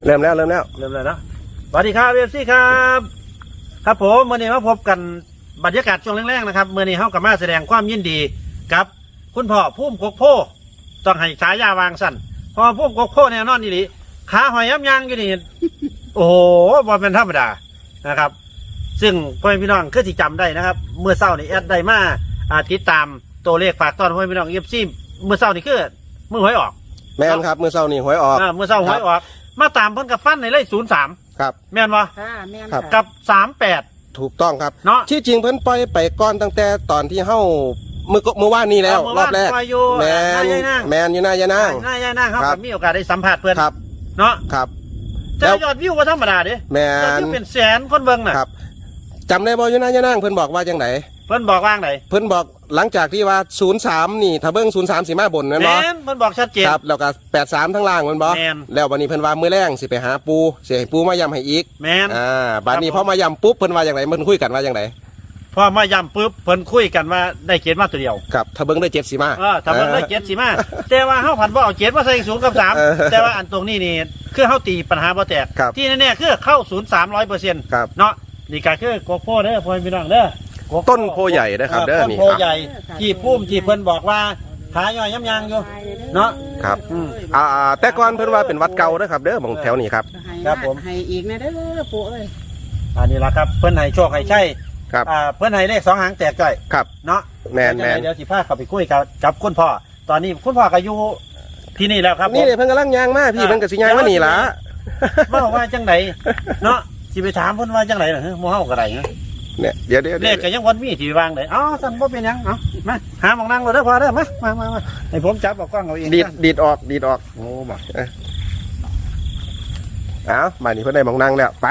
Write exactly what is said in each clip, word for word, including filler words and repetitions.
เริ่มแล้วเริ่มแล้วเริ่มแล้วนะสวัสดีครับเอฟซีครับครับผมเมื่อนี้มาพบกันบรรยากาศช่วงแรกๆนะครับเมื่อนี้เฮากับมาแสดงความยินดีกับคุณพ่อพุ่มกกโพต้องให้ฉายาวางสั้นพอพุ่มกกโพแน่นอนนี่ดิขาหอยย้ำยางอยู่นี่ โอ้โหบอลเป็นธรรมดานะครับซึ่งพ่อพี่น้องคือที่จำได้นะครับเมื่อเช้านี่แอดได้มาติดตามตัวเลขฝากตอนพ่อพี่น้องเอฟซีเมื่อเช้านี่คือมือหวยออกแม่นครับมือเศร้านี่หวยออกเมื่อเช้าหวยออกมาตามเพิ่นกับฟันในเลขศูนย์สามครับแม่นวะค่ะแม่นกับสามแปดถูกต้องครับเนาะที่จริงเพิ่นปล่อยไปก่อนตั้งแต่ตอนที่เฮ้ามือเมื่อวานนี้แล้วรอบแรกแมนแมนอยู่หน้ายานางหน้ายานางเขากับมีโอกาสได้สัมผัสเพื่อนครับเนาะครับแต่ยอดวิวก็ธรรมดาเด้แมนยอดวิวเป็นแสนคนเบิ่งน่ะครับจำได้บ่อยู่หน้ายานางเพิ่นบอกว่าจังไดเพิ่นบอกว่างไหนเพิ่นบอกหลังจากที่ว่าศูนย์สามนี่ถ้าเบิ่งศูนย์สามสิมาบนนั่นเนาะแม่นเพิ่นบอกชัดเจนครับแล้วก็แปดสามทั้งล่างมันบ่แล้ววันนี้เพิ่นว่ามื้อแรงสิไปหาปูสิให้ปูมาย้ำให้อีกแม่นอ่าบัดนี้พอมาย้ำปุ๊บเพิ่นว่าจังไดเพิ่นคุยกันว่าจังไดพอมาย้ำปุ๊บเพิ่นคุยกันว่าได้เจ็ดมาตัวเดียวครับถ้าเบิ่งได้เจ็ดสิมาเออถ้าเบิ่งได้เจ็ดสิมาแต่ว่าเฮาผันบ่เอาเจ็ดมาใส่ศูนย์กับสามแต่ว่าอันตรงนี้นี่คือเฮาตีปัญหาบ่แตกที่แน่ๆคือเข้าศูนย์สามร้อยเปอร์เซ็นต์เนาะนี่ก็คือโกโก้เด้อพ่อพี่น้องเด้อต้นโพใหญ่นะครับเด้อนี่ต้นโพใหญ่ที่พุ่มที่เพิ่นบอกว่าขาย่อยย้ำยางอยู่เนาะครับอ่าแต่ก่อนเพิ่นว่าเป็นวัดเก่าเด้อครับเด้อของแถวนี้ครับครับผมให้อีกนะเด้อปู่เอ้ยอันนี้ล่ะครับเพิ่นให้โชคให้ใช่ครับอ่าเพิ่นให้เลขสองหางแตกจ้อยครับเนาะแมนแมนเดี๋ยวสิพาเข้าไปคุยกับกับคุณพ่อตอนนี้คุณพ่อก็อยู่ที่นี่แล้วครับนี่เพิ่นกำลังย่างมาพี่เพิ่นก็สิย่างมานี่ล่ะว่าว่าจังไดเนาะสิไปถามเพิ่นว่าจังไดล่ะฮะหมู่เฮาก็ได้นะเนี่ยเดี๋ยวเดี๋ยวเลขก็ยังวันมีที่วางเลยอ๋อสั่นบ่เป็นหยังเอ้ามาหาหมองนั่งเลยเด้อพอเด้อมามามามาให้ผมจับเอากล้องเอาเองดีดดีดออกดีดออกโอ้บ่เอ้ามานี่เพิ่นได้หมองนั่งแล้วไป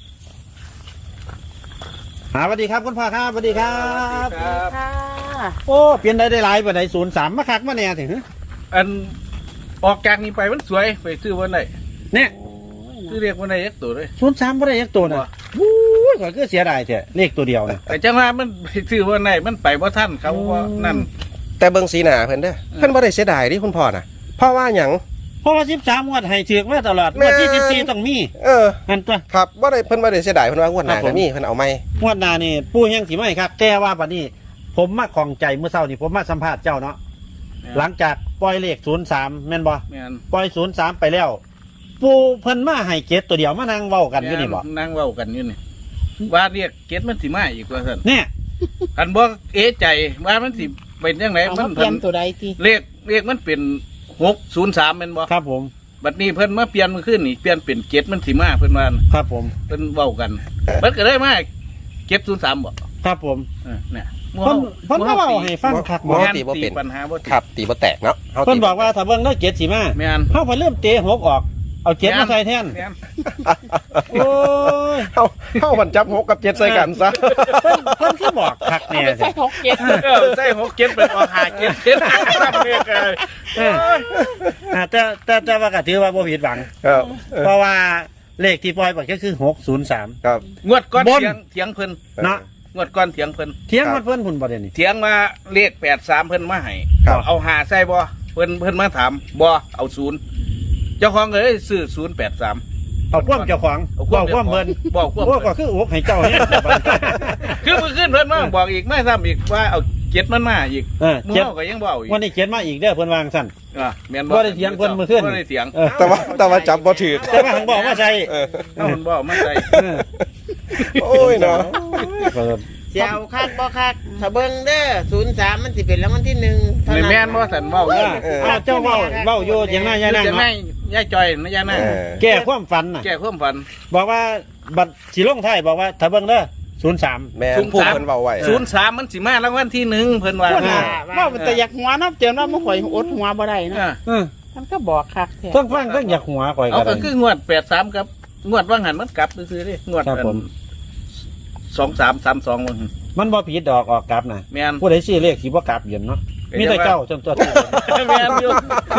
หาสวัสดีครับคุณพ่อครับสวัสดีครับค่ะโอ้เปลี่ยนได้ได้หลายปานใดศูนย์สามมาคักมาแน่ถึงอันออกจากนี้ไปมันสวยไปซื้อวันไหนเนี่ยซื้อเรียกวันไหนยักตัวเลยศูนย์สามบ่ได้ยักตัวนะโอ้ยก็คือเสียดายแท้เลขตัวเดียวนะแต่จังหวะมันไปซื้อวันไหนมันไปว่าท่านเขาว่านั่นแต่เบิ่งสีหน้าเพิ่นเด้อเพิ่นบ่ได้เสียดายดิคุณพ่อน่ะเพราะว่าหยังเพราะว่าสิบสามงวดให้ถือมาตลอดงวดที่สิบสี่ต้องมีเออนั่นตัวครับบ่ได้เพิ่นบ่ได้เสียดายเพิ่นว่างวดหน้าก็มีเพิ่นเอาใหม่งวดหน้านี่ปู่ยังสิไม่ครับแต่ว่าบัดนี้ผมมาของใจเมื่อเช้านี่ผมมาสัมภาษณ์เจ้าเนาะหลังจากปล่อยเลขศูนย์สามแม่นบ่แม่นปล่อยศูนย์สามไปแล้วปู่เพิ่นมาให้เกตตัวเดียวมานั่งเว้ากันอยู่นี่บ่นั่งเว้ากันอยู่นี่ว่าเรียกเกตมันสิมาอีกว่าซั่นเนี่ยคันบ่เอะใจว่ามันสิเป็นจังไดมันเปลี่ยนตัวใดติเลขเลขมันเป็นหกศูนย์สามแม่นบ่ครับผมบัดนี้เพิ่นมาเปลี่ยนมันขึ้นนี่เปลี่ยนเป็นเกตมันสิมาเพิ่นว่าครับผมเพิ่นเว้ากันมันก็ได้มาเกตศูนย์สามบ่ครับผมเออเนี่ยเพิ่นเพิ่นก็เว้าให้ฟังคักบ่ตีบ่เป็นปัญหาบ่ครับตีบ่แตกเนาะเพิ่นบอกว่าถ้าเบิ่งได้เกตสิมาแม่นเฮาเพิ่นเริ่มเตะหกออกเอาเจ็ดมาใส่แทนโอ้ยเฮาเฮามันจับหกกับเจ็ดใส่กันซะเพิ่นเพิ่นคือบอกคักแน่ใส่หกเจ็ดเออใส่หกเจ็ดเป็นออกหาเจ็ดเจ็ดเออแต่แต่แต่ว่าก็ถือว่าบ่ผิดหวังครับเพราะว่าเลขที่ปล่อยไปก็คือหกศูนย์สามครับงวดก้อนเถียงเถียงเพิ่นเนาะงวดก้อนเถียงเพิ่นเถียงมันเพิ่นพุ่นบ่ได้นี่เถียงมาเลขแปดสามเพิ่นมาให้เอาหาใส่บ่เพิ่นเพิ่นมาถามบ่เอาศูนย์เจ้าของก็เลยซื้อศูนย์แปดสามเอาความเจ้าของบอกความเพิ่นบอกความก็คืออกให้เจ้าเนี่ยคือเมื่อคืนเพิ่นมาบอกอีกไม่ซ้ำอีกว่าเอาเจ็ดมันมาอีกเออเจ็ดก็ยังบอกอีกวันนี้เจ็ดมาอีกเด้อเพิ่นวางสั่นอ่าแม่นบ่ได้เถียงเพิ่นเมื่อคืนบ่ได้เถียงแต่ว่าแต่ว่าจับบ่ถูกแต่ว่าหังบอกว่าใช่เออเพิ่นบอกมาใส่โอ้ยเนาะเสียวคักบ่คักถ้าเบิ่งเด้อศูนย์สามมันสิเป็นรางวัลที่หนึ่งนี่แม่นบ่สั่นเว้าอยู่อ้าวเจ้าเว้าเว้าอยู่อย่างนั้นอย่างนั้นเนาะยายจอยนะยายนั่งแก้ความฝันน่ะแก้ความฝันบอกว่าบัตรสิลงไทยบอกว่าถ้าเบิ่งเด้อศูนย์สามแม่นผู้เพิ่นเว้าไว้ศูนย์สามมันสิมารางวัลที่หนึ่งเพิ่นว่าว่ามันแต่อยากหัวนับเจอว่าบ่ข่อยอดหัวบ่ได้นะเออมันก็บอกคักแท้เพิ่งฟังเพิ่งอยากหัวข่อยก็ได้เอาก็คืองวดแปดสามครับงวดว่างหันมันกลับซื่อๆดิงวดสองสามสามสองมันมันบ่ผิดดอกออกกลับนะแม่นผู้ใดซื้อเลขสิบ่กลับเย็นเนาะมีแต่เจ้าจนตัวแม่นอยู่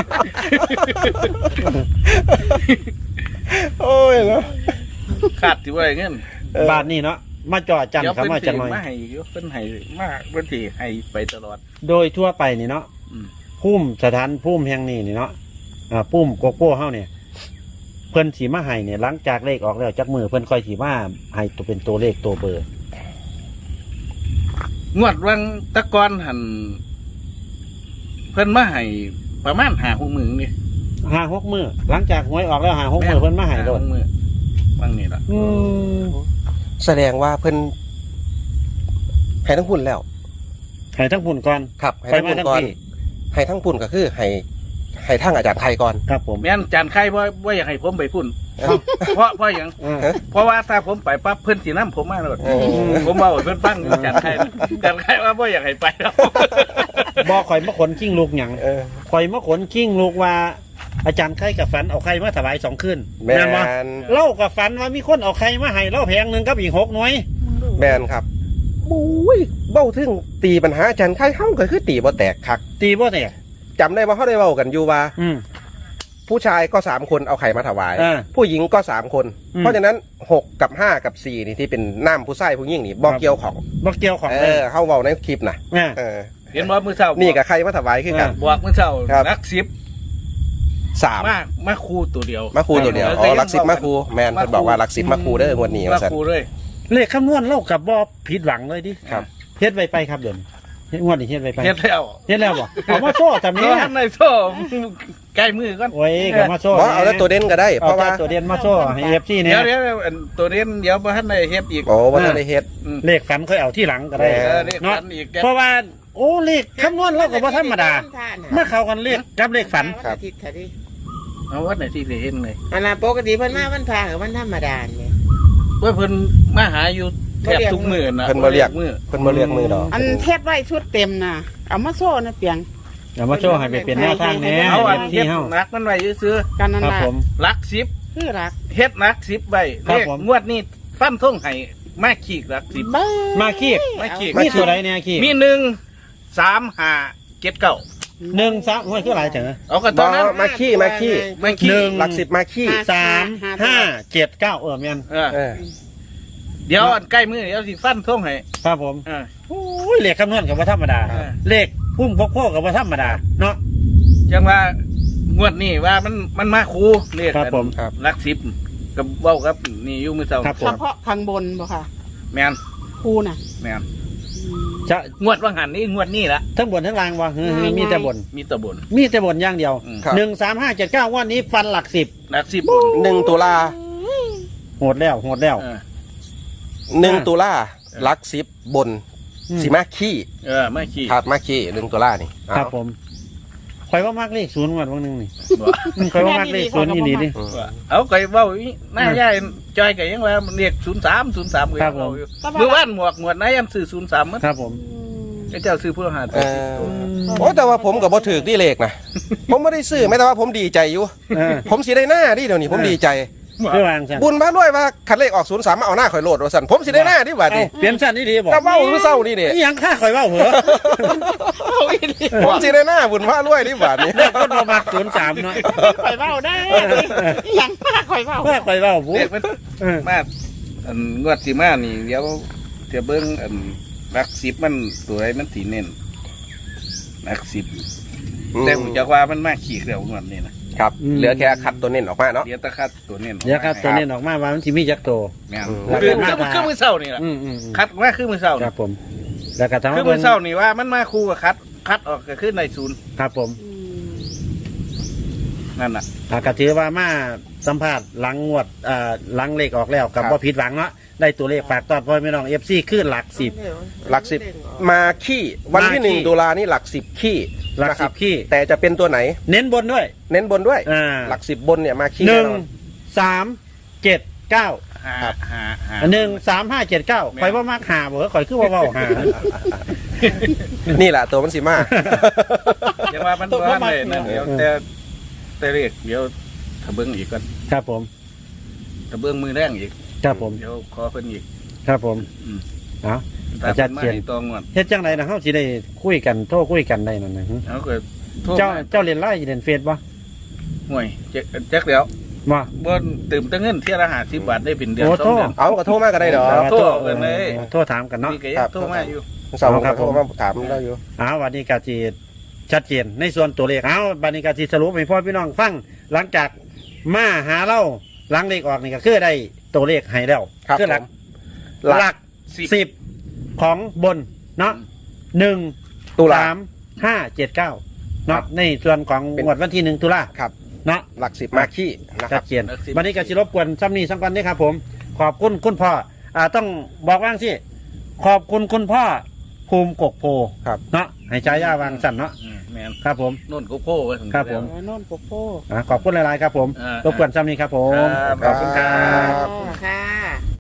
โอ้ยเนาะขาดสิว่าเงินบาทนี้เนาะมาจ่อจันคำว่าจังหน่อยมาให้อยู่เพิ่นให้มาเพิ่นสิให้ไปตลอดโดยทั่วไปนี่เนาะพุ่มสถานพุ่มแห่งนี้นี่เนาะอ่าพุ่มโกโก้เฮาเนี่ยเพิ่นสีมาให้เนี่ยหลังจากเลขออกแล้วจักมือเพิ่นค่อยสีมาให้ตัวเป็นตัวเลขตัวเบอร์งวดวังตะกอนหันเพิ่นมาให้ประมาณหาหกหมื่นนี่ห้าหกมือหลังจากหวยออกแล้วห้าหกมือเพิ่นมาให้โดนหมื่นวังนี่ล่ะอืมแสดงว่าเพิ่นให้ทั้งพุ่นแล้วให้ทั้งพุ่นก่อนครับให้ไปทั้งมาพุ่นทั้งก่อนพี่ให้ทั้งพุ่นก็คือให้ให้ทั้งอาจารย์ไทยก่อนครับผมแม่นจานไข่ว่าว่าอยากให้ผมไปพุ่นเอ้าเพราะเพราะอย่างอ่าเพราะว่าถ้าผมไปปั๊บเพิ่นสีน้ำผมมาเลยเออผมเอาเพิ่นฟังอยู่จานไข่นะจานไข่ว่าว่าอยากให้ไปแล้วบ่ข่อยมาขนกิ้งลูกหยังเออข่อยมาขนกิ้งลูกว่า อาจารย์ไข่กับฝันเอาไข่มาถวายสองคืนแม่นบ่นเล่ากับฝันว่ามีคนเอาไข่มาให้เล่าแพงหนึ่งกับอีกหกหน่วยแม่นครับบุ้ยเบ้าถึงตีปัญหาอาจารย์ไข่เฮาก็คือตีบ่แตกคักตีบ่เนี่ยจำได้ว่าเขาได้เว้ากันอยู่ว่าอืมผู้ชายก็สามคนเอาไข่มาถวายอ่าผู้หญิงก็สามคนอืมเพราะฉะนั้นหกกับห้ากับสี่นี่ที่เป็นน้ำผู้ชายผู้หญิงนี่บอกเกี่ยวของบ่เกี่ยวของเอเลยอเขาเว้าในคลิปนะอ่าเออเห็นว่ามือเช้านี่กับใครมาถวายคือกันบอกมือเช้าครับรักสิบสามมากมาคูตัวเดียวมาคูตัวเดียวอ๋อลักสิบมาคูแมนเพิ่นบอกว่าลักสิบมาคูเด้องวดนี้มาว่าซั่นคูเลยเลขคำนวณเล่ากับบ่ผิดหวังเลยดิครับเฮ็ดไว้ไปครับเดี๋ยวนี้เฮ็ดงวดนี้เฮ็ดไว้ไปเฮ็ดแล้วเฮ็ดแล้วบ่เอามาโซ่จำนี่นี้ท่านในโซ่ใกล้มือก่อนโอ้ยก็มาโซ่บ่เอาแล้วตัวเด่นก็ได้ เพเอาราะว่าแต่ตัวเดียนมาโซ่ให้ เอฟ ซีเนี่ยเดี๋ยวเดี๋ยวอันตัวนี้เดี๋ยวบ่ทันได้เฮ็ดอีกโอ้บ่ทันได้เฮ็ดอืมเลขฝันค่อยเอาที่หลังก็ได้เอเออนี่เนาะฝันอีกเพราะว่า โอ้เลขคำนวณเราก็บ่ธรรมดามาเข้ากันเลขกับเลขฝันครับอาทิตย์ค่ะดิเอาวัดไหนที่ได้เห็นเลยอันนั้นปกติเพิ่นมาวันพระกับวันธรรมดาเนี่ยว่าเพิ่นมาหาอยู่แทบทุกมื้อนะเพิ่นบ่เรียกมื้อเพิ่นบ่เรียกมือดอกอันเทปไว้ชุดเต็มน่ะ เอามาโซ่นะเปียงเอามาโซ่ให้ไปเป็นแนวทางแหน่เอาอันที่เฮ็ดเฮานักมันไว้ซื้อกันนั่นครับแหละผมๆลักสิบคือรักเฮ็ดนักสิบไว้ครัเลบขผมงวดนี้ฟันท่งให้มาขีกลักสิบบ้ามาคีบมาขีกมีตัวใดเนี่ยคีบมีหนึ่งสามห้าเจ็ดเก้าหนึ่งสามโอ้ยคือหลายจังนะเอากันตบ่อนนั้นมาขี้มาขี้มาขีหนึ่งหลักสิบมาขี้สามห้าเจ็ดเก้าเออแม่นเออเออเดี๋ยวอันใกล้มือเดี๋ยวสิฟันท่งให้ครับผมเออโอ้ยเลขคำนวณกับว่าธรรมดาเออเลขพุ่มพกโคกับว่าธรรมดาเนาะจังว่างวดนี้ว่ามันมันมาคูเรียกครับผมครับลักสิบกับเว้ากับนี่อยู่มือเช้าครับผเฉมพาะข้างบนบ่ค่ะแมนครูน่ะแมนอืมจะงวดว่างหันนี่งวดนี้ละทั้งบนทั้งล่างวะคือมีแต่บนมีแตะบนมีแต่บนอย่างเดียวอืมครับหนึ่งสามห้าเจ็ดเก้าวันนี้ฟันหลักสิบลักสิบบนหนึ่งตุลาโหดแล้วโหดแล้วเออหนึ่งตุลาหลักสิบบนอืมสิมาขี้เออไม่ขี้ครับมาขี้หนึ่งตุลานี่เอาครับผมคอยว่ามากเลขศูนย์วันวันหนึ่งนี่บ่อืมคอยว่ามากเลขศูนย์ยี่นี่ดิอืมว่าเอาไก่เว้าอีหน้าย่ายจอยไก่ยังว่ามันเรียกศูนย์สามศูนย์สามเลยครับผมเมื่อวานหมวกหมวดไหนยันซื้อศูนย์สามมั้งครับผมไอ้เจ้าซื้อผู้หาเอตัวอสิบตัวโอ้แต่ว่าผมกับบ่ถือที่เลขนะ ผมไม่ได้ซื้อแม้แต่ว่าผมดีใจอยู่เออผมสิได้หน้าดิเดี๋ยวนี้ผมดีใจเพื่อวางสันบุญพระด้วยว่าคันเลขออกศูนย์สามมาเอาหน้าข่อยโหลดว่าสันผมสิได้หน้าดิว่าเอ้าดิเปลี่ยนสั้นนี่ดีบอกก็เว้าเมื่อเศร้านี่เด้นี่ยังค่าคอยเว่าเหรอผมสิได้หน้าบุญพระด้วยดิว่านี่เลขคนประมาณศูนย์สามเนาะข่อยเบ้าได้ยังป้าข่อยเบ้าค่าคอยเว่าผู้เรียกมันเออมาอันงวดสิมานี่เดี๋ยวจะเบิ้งอันลักสิบมันตัวไหนมันสีเน้นลักสิบแต่ผมจะว่ามันมาขี่เร็วงวดนี้นะครับเหลือแค่คัดตัวเน้นออกมาเนาะเดี๋ยวตะคัดตัวเน้นเดี๋ยวครับตัวนี้ออกมาว่ามันสิมีจักโตแม่นอืมคือแล้วก็คือคือมือเศร้านี่แหละอืมอืมอืมคัดมาคือมือเศร้าคนี่รับผม แล้วก็ทำคือให้มืเพิ่อน เศร้านี่ว่ามันมาคู่กับคัดคัดออกก็ขึ้นในศูนย์ครับผมอืมนั่นน่ะอ่าก็ถือว่ามาสัมภาษณ์หลังงวดอ่าหลังเลขออกแล้วกับครับว่าผิดหวังเนาะได้ตัวเลขฝากตอนพ่อแม่น้องเอฟซีขึ้นหลักสิบหลักสิบมาขี้วันที่มาขี้หนึ่งตุลานี่หลักสิบขี้หลักนะคสิรับขี้แต่จะเป็นตัวไหนเน้นบนด้วยเน้นบนด้วยอ่าหลักสิบบนเนี่ยมาขี้หแน่นึ่งนอนสามเจ็ดเก้าหาหาหาหนึ่งสามห้าเจ็ดเก้าคอยว่ามากหาเบอร์คอยคือว่าเบาหานี่แหละตัวมันสิมาเดี๋ยวว่ามันว่าเลยนั่นเดี๋ยวแต่แต่เรียกเดี๋ยวถ้าเบิ้งอีกก่อนครับผมถ้าเบิ้งมือแรงอีกครับผมเดี๋ยวขอเพิ่นอีกครับผมอืมเอาถ้าอาจารย์พิ่นมาเขียนให้ตองงวดเฮ็ดจังไรนะเขาสิได้คุยกันโทรคุยกันได้นั่นนะเอาก็โทรเจ้ามาเจ้าเรียนไล่เรียนเฟซบ่ห่วยแจ็คแจ็คเดี๋ยวบ่บ่ตื่มตั้งเงินเที่ยละห้าสิบบาทได้เป็นเดือนโอ้สองโทษเดือนเอาก็โทรมาก็ได้ดอกโทษกันเลยโทษถามกันเนาะนี่ก็ยังโทรมาอยู่สาวผมครัก็บโทรมาถามได้อยู่อ้าววันนี้กาจีชัดเจนในส่วนตัวเลขเอาบันนี้กาจีสรุปให้พ่อพี่น้องฟังหลังจากมาหาเราหลังเลขออกนี่ก็คือได้ตัวเลขให้แล้วครับคือหลักผมหลักหลักสิบของบนเนาะหนึ่งตุลาสามห้าเจ็ดเก้าเนาะในส่วนของเป็นงวดวันที่หนึ่งตุลาครับเนาะหลักสิบมาขี้นะคชัรัดบเจนวันนี้ก็สิรบกวนซ้ำนี้ซ้ำกันนี่ครับ ผม ขอบคุณคุณพ่ออ่าต้องบอกว่างสิขอบคุณคุณพ่อภูมิกกโพครับเนาะให้ใช้ย่าวางสั่นเนาะอืมแม่นครับผมโน่นโกโก้ไว้ถึงครับผมเออโน่นโปโป้อ่าขอบคุณหลายๆครับผมอ่ารบกวนซ้ำนี้ครับผมครับขอบคุณครับค่ะ